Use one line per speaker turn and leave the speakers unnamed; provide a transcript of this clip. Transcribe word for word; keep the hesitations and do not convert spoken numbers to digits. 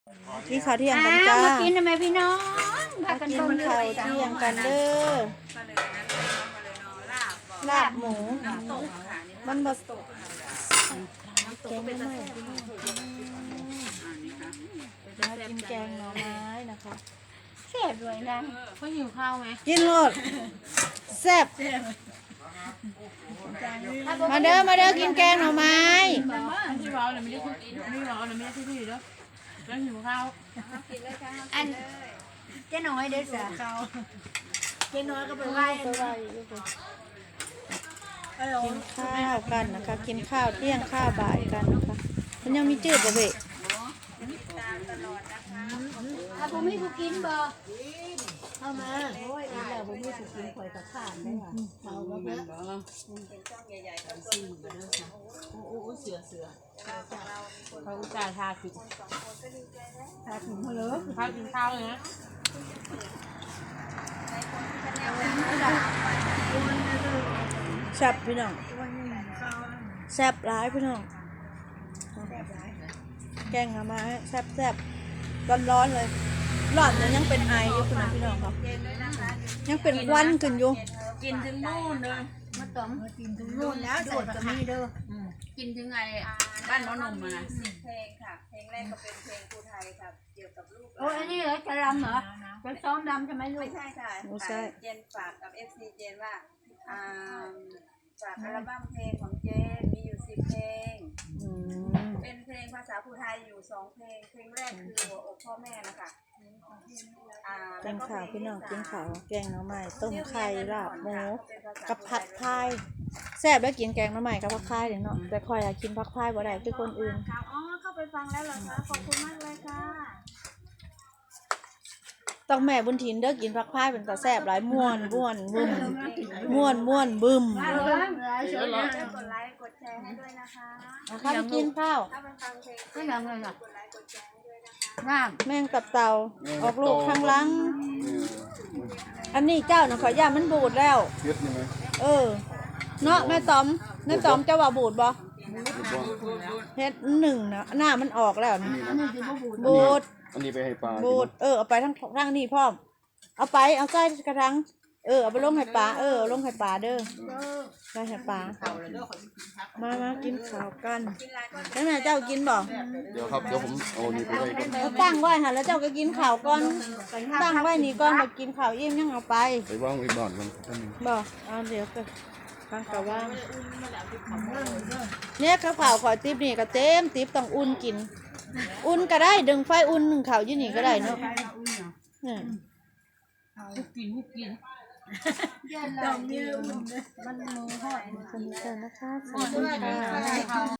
กินข้าวเที่ยงกันจ้า
มากินทำไมพี่น้องพา
มา
กัน
กิน
เบิ่ง
ข้าวเที่ยงกันเด้อลาบหมูมันบะตกแกงหน่อไม้มากินแกงหน่อไม้นะคะ
แซ่บด้วยนะเขาหิวข้าวไหม
กินโลดแซ่บมาเด้อมาเด้อกินแกงหน่อไม้
ที่เราเนี่ยไม่ได้คุยไม่เราเนี่ยไม่ได้ที่ที่เด้อแล้วหิวข้าว
อันเจ๊น้อยเด้อจ้ะเจ๊น้อยก็ไปไหว้
ไปไหว้กินข้าวกันนะคะ กินข้าวเที่ยงข้าวบ่ายกันนะคะมันยังมีจืดบ่เบะ
ถ้าผมไม่กูกินบ่
เข้ามาโอ้ยอีแล้วผมไม่ถูกกินข่อยกับข้านได้ค่ะเอาก็เยอะ
โอ้โหเสือเสือเขาจ่ายทาคือ
ทาถุงมาเลย
ข้าวกินข้าวเลยนะ
แซ่บพี่น้องแซ่บร้ายพี่น้องแกงหน่อไม้แซ่บแซ่บร้อนร้อนๆเลยร้อนเนี่ยยังเป็นไออยู่คุณพี่น้องครับยังเป็นควันขึ้นอยู่
กินถึงโน่นเลย
มาต้ม
กินถึงนู่นแล้วใส่ก็มีเด้อ
กินถึงไงบ้านน้องนมมานะ
เพลงค่ะ เพลงแรกก็เป็นเพลงครูไทยค่ะ เกี่ยวกับลูก
โอ้ยอันนี้เหรอจะรำเหรอจะซ้อมรำใช่ไหมลู
ไม่
ก
ใช่ค่ะเจนฝากกับเอฟซีเจนว่าอ่าฝากอัลบั้มเพลงของเจนมีอยู่สิบเพลง
อืม
เป็นเพลงภาษาภูไทยอยู่สองเพลง เพลงแรกคือหัวอกพ่อแม่นะคะอ่า
กินข้าวพี่น้องกินข้าวแกงหน่อไม้ต้มไข่ลาบหมูกับผัดไทยแซ่บแล้วกินแกงหน่อไม้กับผัดไทยเดี๋ยวเนาะแต่คอยอยากกินผัดไทยบ่ได้คือคนอื่น
ค่ะอ๋อเข้าไปฟังแล้วเหรอคะขอบคุณมากเลยค่ะ
ต้องแม่บุญถินเด้อกินผักพายเป็นตาแซ่บหลายม่วนม่วนบึ้มม่วนม่วนบึ้ม
ช่วยกดไลค์กดแชร์ให้ด้วยนะคะ
นะคะไปกินข้าว
ถ้าไปฟังเพลง
ไม่ยังเลยอ่ะ
กดไลค์กดแชร์ให้ด้วยนะคะ
น้ำ
แม่งตับเต่าออกลูกข้างหลัง อันนี้เจ้าน่ะขอย่ามันบูดแล้ว
เฮ็ดยังไง
เออเนาะแม่ต๋อมแม่ต๋อมเจ้าว่าบูดบ่
เฮ็ดบ่
เฮ็ดหนึ่งนะหน้ามันออกแล้วนี่
อันนี้คือบ่บูด
บูด
อันนี้ไปให้ปลา
บูดเออเอาไปทั้งทั้งนี่พร้อมเอาไปเอาใส่กระทังเออเอาไปลงให้ปลาเออเอาลงให้ปลาเด้อไปให้ปลามามากินข้าวกันแล้วแม่เจ้ากินบ่
เดี๋ยวครับเดี๋ยวผมเอานี่ไปให้ก่อน
เอาตั้งไว้ค่ะแล้วเจ้าก็กินข้าวก่อนตั้งไว้นี่ก่อนมากินข้าวอิ่มยังเอาไป
ไปวางไว้บ้านกันท่าน
บ่เอาเดี๋ยวก็ฟังกะว่าเนี่ยข้าวเผาขอติ๊บนี่ก็เต็มติ๊บต้องอุ่นกิน อุ่นก็ได้ดึงไฟอุ่นหนึ่งข้าวยี่นี่ก็ได้เนาะเนี่ย
คุกกินคุกกิน
ดอกเบี้ยอุ่น
สนุกนะคะสวัสดีค่ะ